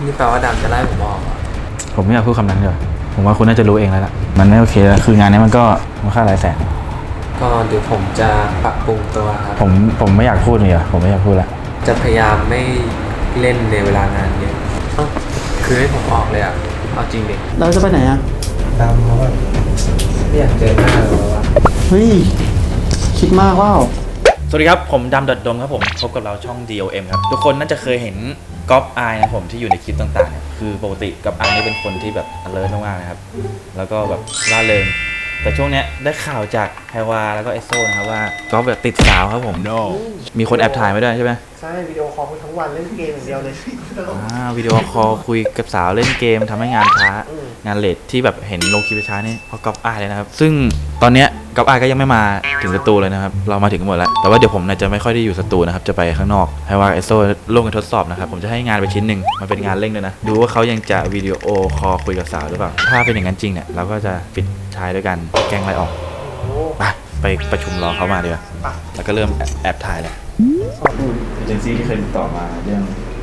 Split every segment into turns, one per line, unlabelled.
นี่แปลว่าดำจะไล่ผมออกเหรอ
ผมไม่อยากพูดคำนั้นเลยผมว่าคุณน่าจะรู้เองแล้วล่ะมันไม่โอเคแล้วคืองานนี้มันก็มูลค่าหลายแสน
ก็เดี๋ยวผมจะปรับปรุงตัวครับ
ผมไม่อยากพูดเลยผมไม่อยากพูดละ
จะพยายามไม่เล่นในเวลางานเยอะคือให้ผมออกเลยอ่ะเอาจริงดิ
เราจะไปไหนอ่ะ
ดำเขาแบบไม่อยากเจอหน้าเราแล้วอะ
เฮ้ย คิดมากว่า
สวัสดีครับผมดำดมครับผมพบกับเราช่อง DOM ครับทุกคนน่าจะเคยเห็นก๊อฟไอนะผมที่อยู่ในคลิปต่างๆเนี่ยคือปกติก๊อฟไอนี่เป็นคนที่แบบ alert มากๆนะครับแล้วก็แบบร่าเริงแต่ช่วงเนี้ยได้ข่าวจากไฮวาแล้วก็เอสโซนะครับว่าก๊อฟแบบติดสาวครับผม มีคนแอบถ่ายมาด้วยใช่ไหม
ใช่วิดีโอคอลคุยทั้งวันเล่นเกมอย่างเดียวเลย
วิดีโอคอลคุยกับสาวเล่นเกมทำให้งานช้างานเลทที่แบบเห็นลงคลิปช้านี่เพราะก๊อฟไอเลยนะครับซึ่งตอนเนี้ยก๊อฟไอก็ยังไม่มาถึงสตูเลยนะครับเรามาถึงกันหมดแล้วแต่ว่าเดี๋ยวผมเนี่ยจะไม่ค่อยได้อยู่สตูนะครับจะไปข้างนอกไฮวาเอสโซร่วมกันทดสอบนะครับผมจะให้งานไปชิ้นหนึ่งมันเป็นงานเร่งด้วยนะดูว่าเขายังจะวิดีโอคอลคุยกับสาวหรือเปล่าถ้าเป็นอย่างนั้นจริงเนี่ยเราก็จะปิดท้ายด้วยกันแกล้งไล่ออกไปประชุมรอเขามาดีกว่าแล้วก็เริ่มแอบถ่ายแหละเอเจนซี่ที่เคยติดต่อมาเรื่อง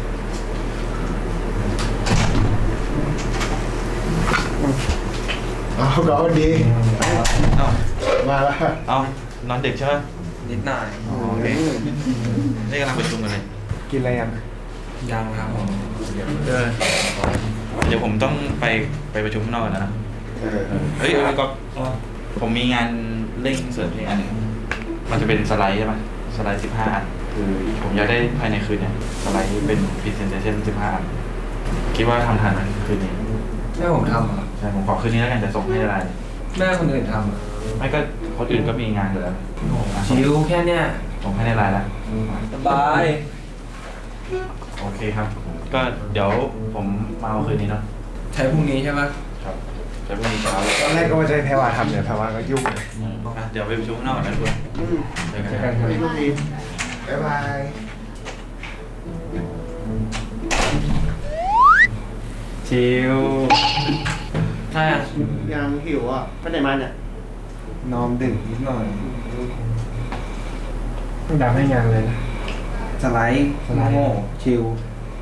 เอาก็ดี มาแล้ว
เอานอนดึกใช่ไหม
นิดหน่อย
โอเคนี่กำลังประชุมกันเลย
กินอะไรยัง
ยังครับผม
เดี๋ยวผมต้องไปประชุมข้างนอกก่อนนะเฮ้ยก็ผมมีงานเร่งเสริมอีกอันหนึ่งมันจะเป็นสไลด์ใช่ไหมสไลด์15 อันคือผมอยากได้ภายในคืนเนี่ยสไลด์เป็น presentation 15 อันคิดว่าทำทันไหมคืนนี้
แม่ผมทำเหรอ
ใช่ผมขอคืนนี้แล้วกันจะส่งให้ได้
แม่คนอื่นทำเหรอ
ไม่ก็คนอื่นก็มีงานอยู่แล้ว
ชิวแค่เนี้ย
ส่งให้ในไลน์แล้ว
สบาย
โอเคครับ ก็เดี๋ยวผมมาเอาคืนนี้เนาะ
ใช้พรุ่งนี้ใช่ปะ
ครับจะพรุ่งนี้เช้า
ตอนแรกก็ว่าจะให้แพรวาทำเนี่ยแพรวาก็ยุ่งเลย
เดี๋ยวไปประชุมข้างนอกก่อนนะทุกคนเจอกันครับ
พี่ลูกดีบ๊ายบาย
ชิว
ใช่อะ
ยังหิวอ่ะไปไหนมาเนี่ย
นอนดึกนิดหน่อยต้องดำให้งานเลยนะสไลด์โง่ชิว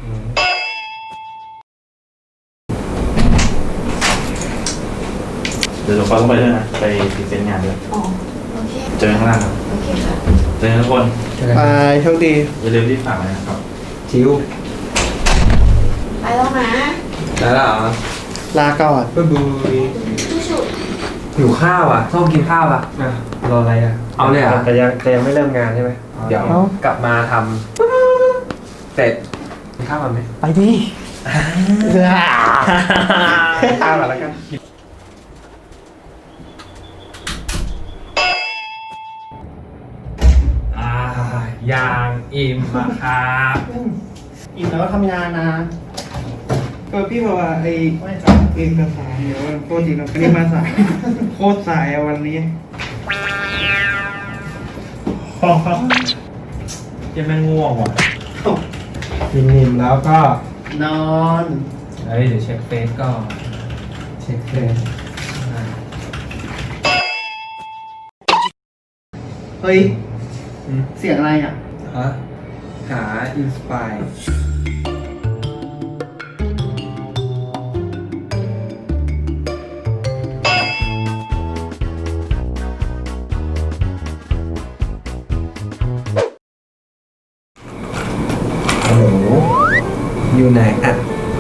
เดี๋ยวเราต้องไปด้วยนะ ไปพรีเซนต์งานด้วย
อ๋อ โอเค
เจอกันข้างล่างครับ
โอเคค่ะ
เจอกันทุกคน
ไปโชคดี
อย่าลืมรีบฝากเลยนะครับ
ชิว
ไปแล้วนะ
ได้แล้วเหรอ
ลาก่อน
บ๊ายบาย
ชุด
หิวข้าวอ่ะส้มกินข้าวอ่ะรออะไรอ่ะเอาเลยอ่ะแต่ยังไม่เริ่มงานใช่ไหมเดี๋ยวกลับมาทำเสร็จกินข้าวมันไหม
ไปดิตามมาแล้วกัน
ยางอิ่มอะครับ
อิ่มแล้วก็ทำงานนะ
พี่บอกว่าไอ้เอกสารเดี๋ยวโปรเจกต์เราไม่ได้มาสาย โคตรสายอะวันนี้
ยังไม่ง่วงว่ะกินอิ่มแล้วก็
นอน
เดี๋ยวเช็คเฟซก่อนเช็คเฟซ
เฮ้ย เสียงอะไรอ่ะ
ฮะหาอินสปายอยู่ไหนอ่ะ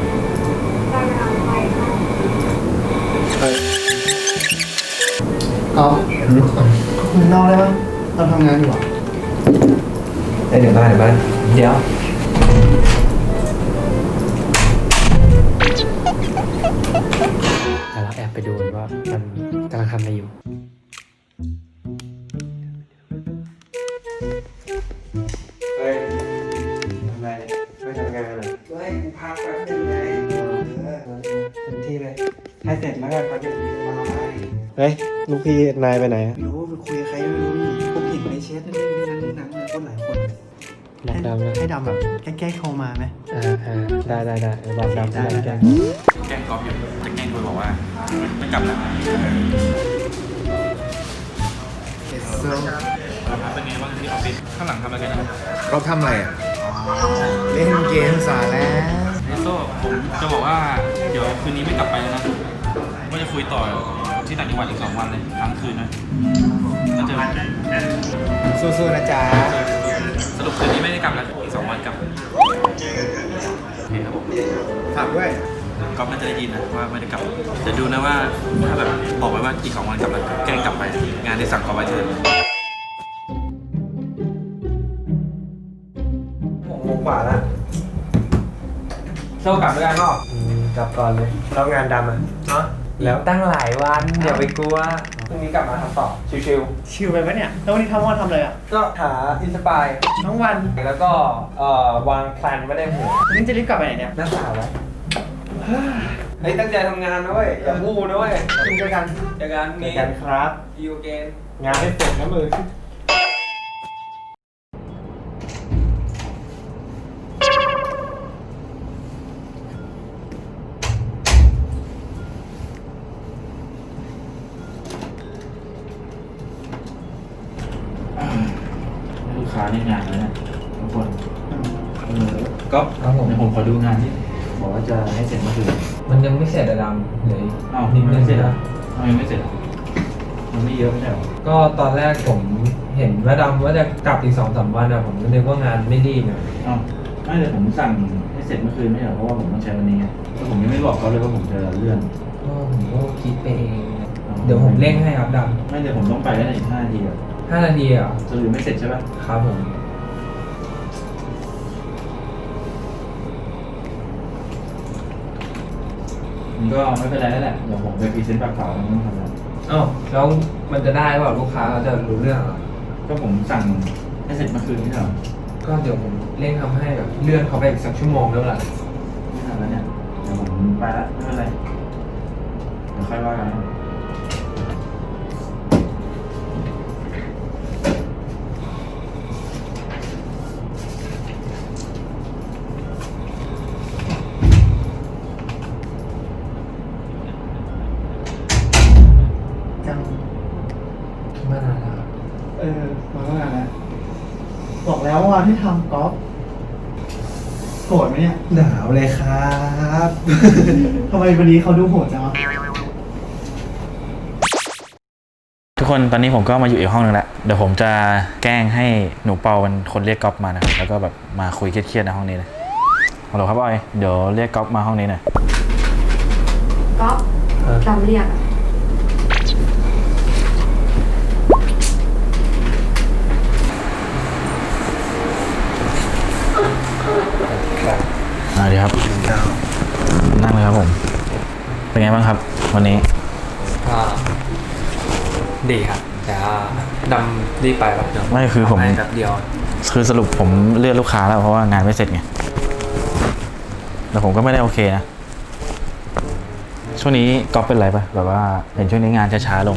อ๋อคุณนอกได้ปะเราทำงานอยู่อ่ะ
เดี๋ยวบ้านเดี๋ยวแต่เราแอบไปดูว่ามันกำลังทำอะไรอยู่เฮ้ยทำอะไรไม่ทำงานเลย
เฮ้ยกูพักแป๊บนึงไง
เต็มที่เลย
ให้เสร็จแล้วกันเขาจะมาไ
เฮ้ยลูกพี่นายไปไหน
ไม่รู้ไปคุยกับใครไม่รู้นี่พวกเห็นในแชทนั่นนี่นั่นนี่นั่นคนหลายคน
บอกดำนะ
ให้ดำแบบแก้ๆโทรมาไหม
ได้บอกดำที่ไหนแก
แกล้งก๊อฟอยู่จะแกล้งคุยบอกว่าไม่กลับแล้วครับเป็นไงบ้างที่ออฟฟิศข้างหลังทำอะไรกันนะ
เราทำอะไรอ่ะ เล่นเกมสาแล้ว
โซ่ผมจะบอกว่าเดี๋ยวคืนนี้ไม่กลับไปแล้วนะว่าจะคุยต่อที่ต่างจังหวัดอีก2 วันเลยค้างคืนนะก็เจอ
สู้ๆนะจ๊ะ
สรุปคืนนี้ไม่ได้กลับแล้วอีก2 วันกลับโอเคครับผม
ฝากด้วย
ก็น่าจะได้ยินนะว่าไม่ได้กลับจะดูนะว่าถ้าแบบบอกไว้ว่าอีก2 วันกลับแล้วแกล้งกลับไปงานที่สั่งเขาไว้เถอะ
6 โมงกว่าแล้วโซ่กลับด้วยกันเปล่ากลับก่อนเลยแล้วงานดำอ่ะเนาะแล้วตั้งหลายวันอย่าไปกลัวพรุ่งนี้กลับมาทำต่อชิว
ชิลไปปะเนี่ยแล้ววันนี้ทำวันทำอะไรอ่ะ
ๆก็หาอินสปาย
ทั้งวัน
แล้วก็วางแพลนไว้ในหัว
วันนี้จะรีบกลับไปไหนเนี่ย
หน้าสาวไว้เฮ้ยตั้งใจทำงานนะเว้ยอย่าพูดนะเว้ย
กินด้วยกัน
เจอกันพรุ่งนี้
กันครับ
ยูเกน
งานให้เสร็จนะมือ
ลูกค้าในงานแล้วเนี่ยทุกคน
ก็ครับผม
เดี๋ยวผมขอดูงานที่บอกว่าจะให้เสร็จเมื่อคืน
มันยังไม่เสร็จอะดำเลย
อ้าว
นิดนึง
ไม่เสร็จอ่ะทำไมไม่เสร็จอ่ะมันไม่เยอะไม่ใช่หรอ
ก็ตอนแรกผมเห็นว่าดำว่าจะกลับอีก2-3 วันอะผมก็นึกว่างานไม่รีบนะ
อ้าวไม่เลยผมสั่งให้เสร็จเมื่อคืนไม่ใช่หรอเพราะว่าผมต้องใช้วันนี้ไงแล้วผมยังไม่บอกเขาเลยว่าผมจะเลื่อน
ก็ผมก็คิดไปเองเดี๋ยวผมเร่งให้ครับด
ไม่เดี๋ยวผมต้องไปแล้วในอีก5 นาทีอ่ะ
ำ5 นาทีเหรอ
สรุปไม่เสร็จใช่ป่ะ
ครับผม
มันก็ไม่เป็นไรแล้วแหละเดี๋ยวผมไปพรีเซนต์ปากเปล่าแล้วไม่ต้องทำอะไร
อ้าวแล้วมันจะได้เปล่าลูกค้าเขาจะรู้เรื่องเหรอ
ก็ผมสั่งให้เสร็จเมื่อคืนไม่ใช่หรอ
ก็เดี๋ยวผมเร่งทำให้แบบเลื่อนเขาไปอีกสักชั่วโมงแล้วล่ะ
ไม่ทันแล้วเนี่ยเดี๋ยวผมไปละไม่เป็นไรเดี๋ยวค่อยว่ากัน
จัง
มานานแล้วครับ
มาก็งานแล้วบอกแล้วว่าที่ทำกอล์ฟโกรธไหมเนี่ย
หนาวเลยครับ
ทำไมวันนี้เขาดูโหดจังวะ
ทุกคนตอนนี้ผมก็มาอยู่อีกห้องนึงแล้วเดี๋ยวผมจะแกล้งให้หนูเปาเป็นคนเรียกก๊อฟมานะครับแล้วก็แบบมาคุยเครียดๆในห้องนี้เลยฮัลโหลครับบอยเดี๋ยวเรียกก๊อฟมาห้องนี้หน่อย
ก๊อฟจำเรียกอะ
ดีครับนั่งเลยครับผมเป็นไงบ้างครับวันนี้
ก็ดีครับแต่ว่าดำรีบไปแบบเดิม
ไม่คือผม
แป๊บเดียว
คือสรุปผมเลื่อนลูกค้าแล้วเพราะว่างานไม่เสร็จไงแต่ผมก็ไม่ได้โอเคนะช่วงนี้ก๊อฟเป็นไรปะแบบว่าเห็นช่วงนี้งานช้าๆลง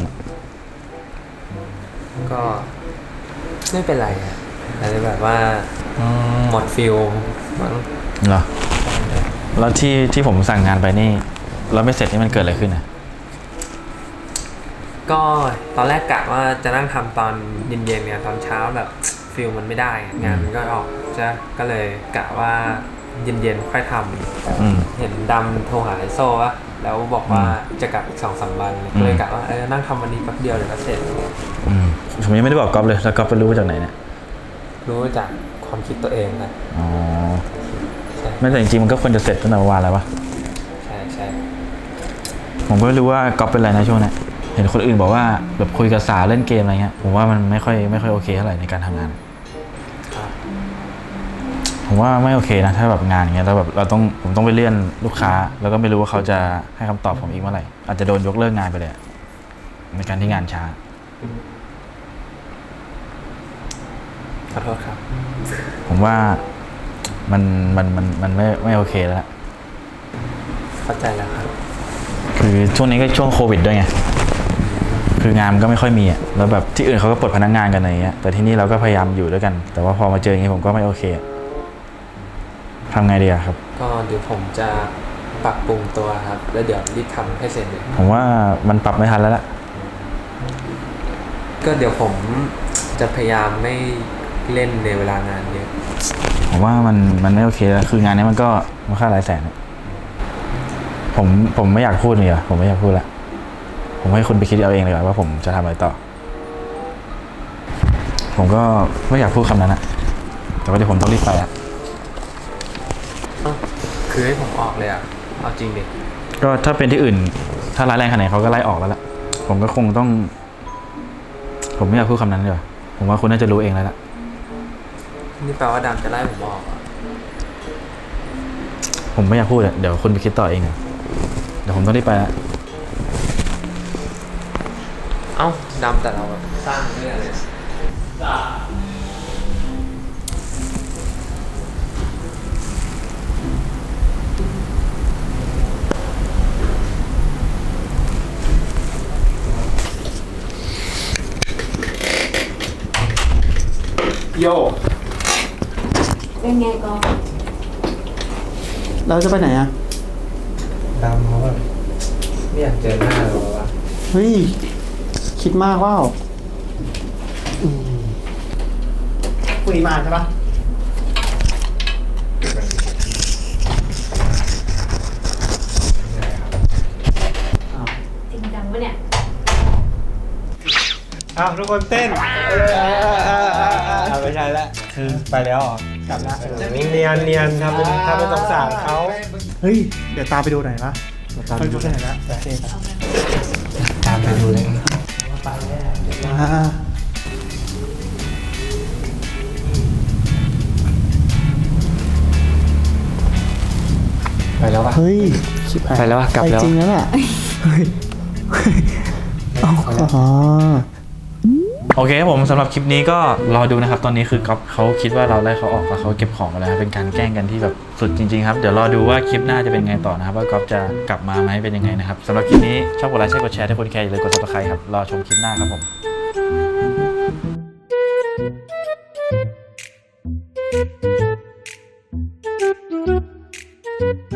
ก็ไม่เป็นไรอะแต่แบบว่าหมดฟิลมั้ง
เหรอแล้วที่ผมสั่งงานไปนี่แล้วไม่เสร็จนี่มันเกิดอะไรขึ้นนะ
ก็ตอนแรกกะว่าจะนั่งทำตอนเย็นๆเนี่ยตอนเช้าแบบฟิลมันไม่ได้งานมันก็ออกจะก็เลยกะว่าเย็นๆค่อยทำเห็นดำโทรหาไอโซ่วะแล้วบอกว่าจะกลับอีก2-3 วันก็เลยกะว่านั่งทำวันนี้แป๊บเดียวเดี๋ยวก็เสร็จ
ผมยังไม่ได้บอกก๊อฟเลยแล้วก๊อฟไปรู้มาจากไหนเนี่ย
รู้จากความคิดตัวเองครับ
อ๋อ
ใช่
ไม่แต่จริงๆมันก็ควรจะเสร็จตั้งแต่เมื่อวานแล้วปะ
ใช่
ผมก็ไม่รู้ว่าก๊อฟเป็นอะไรนะช่วงนี้เห็นคนอื่นบอกว่าแบบคุยกับสาวเล่นเกมอะไรเงี้ยผมว่ามันไม่ค่อยโอเคเท่าไหร่ในการทำงาน
ครับ
ผมว่าไม่โอเคนะถ้าแบบงานอย่างเงี้ยแล้วแบบผมต้องไปเลื่อนลูกค้า แล้วก็ไม่รู้ว่าเขาจะให้คำตอบผมอีกเมื่อไหร่อาจจะโดนยกเลิกงานไปเลยอะในการที่งานช้า
ขอโทษครับ
ผมว่ามันไม่โอเคแล้วล่ะ
เข้าใจแล้วครับ
คือช่วงนี้ก็ช่วงโควิดด้วยไงคืองานมันก็ไม่ค่อยมีอ่ะแล้วแบบที่อื่นเขาก็ปลดพนักงานกันอะไรเงี้ยแต่ที่นี่เราก็พยายามอยู่ด้วยกัน แต่ว่าพอมาเจออย่างนี้ผมก็ไม่โอเคอะทำไงดีอะครับ
ก็เดี๋ยวผมจะปรับปรุงตัวครับแล้วเดี๋ยวรีบทำให้เสร็จเลย
ผมว่ามันปรับไม่ทันแล้วล่ะ
ก็เดี๋ยวผมจะพยายามไม่เล่นในเวลางานเยอะ
ผผมว่ามันไม่โอเคแล้วคืองานนี้มันก็มูลค่าหลายแสนอะผมไม่อยากพูดเลยผมไม่อยากพูดละผมให้คุณไปคิดเอาเองเลยว่าผมจะทำอะไรต่อ ผมก็ไม่อยากพูดคำนั้นอะแต่ว่าเดี๋ยวผมต้องรีบไปอะ
คือให้ผมออกเลยอ่ะเอาจริงดิ
ก็ถ้าเป็นที่อื่นถ้าร้ายแรงขนาดไหนเขาก็ไล่ออกแล้วล่ะผมก็คงต้อง ผมไม่อยากพูดคำนั้นเลยผมว่าคุณน่าจะรู้เองแล้วล่ะ
นี่แปลว่าดำจะไล่ผมออกอ่ะ
ผมไม่อยากพูดอะเดี๋ยวคุณไปคิดต่อเองอะเดี๋ยวผมต้องรีบไปละ
เอ้าดำแต่เราแบบสร้างเรื่องเลย
โย
เป็นไงก๊อฟ
เราจะไปไหนอ่ะ
ดำเขาแบบไม่อยากเจอหน้าเราวะ
เฮ้ย คิดมากว่าคุยมาใช่ปะอ้าว
จริงจังปะเนี่ย
อ้าวทุกคนเต้นไม่ใช่ละคือไปแล้วเหรอกลับละเนียนทำเป็นสงสารเขา
เฮ้ย เดี๋ยวตามไปดูหน่อยปะไปดูหน่อยละโอเคครับ
ตามไปดูเลย
อ่า
ไปแล้วปะ
เฮ้ยชิบหาย
ไปแล้วอะกลับแล้ว
ไปจริงแล้วล่ะเฮ้ยอ๋อ
โอเคครับผมสำหรับคลิปนี้ก็รอดูนะครับตอนนี้คือก๊อฟเขาคิดว่าเราไล่เขาออกแล้วเขาเก็บของมาแล้วครับเป็นการแกล้งกันที่แบบสุดจริงๆครับเดี๋ยวรอดูว่าคลิปหน้าจะเป็นไงต่อนะครับว่าก๊อฟจะกลับมาไหมเป็นยังไงนะครับสำหรับคลิปนี้ชอบกดไลค์ใช่กดแชร์ถ้าคนแคร์อย่าลืมกด subscribe ครับรอชมคลิปหน้าครับ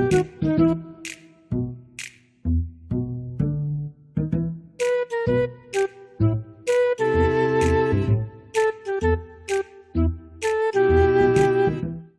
ผม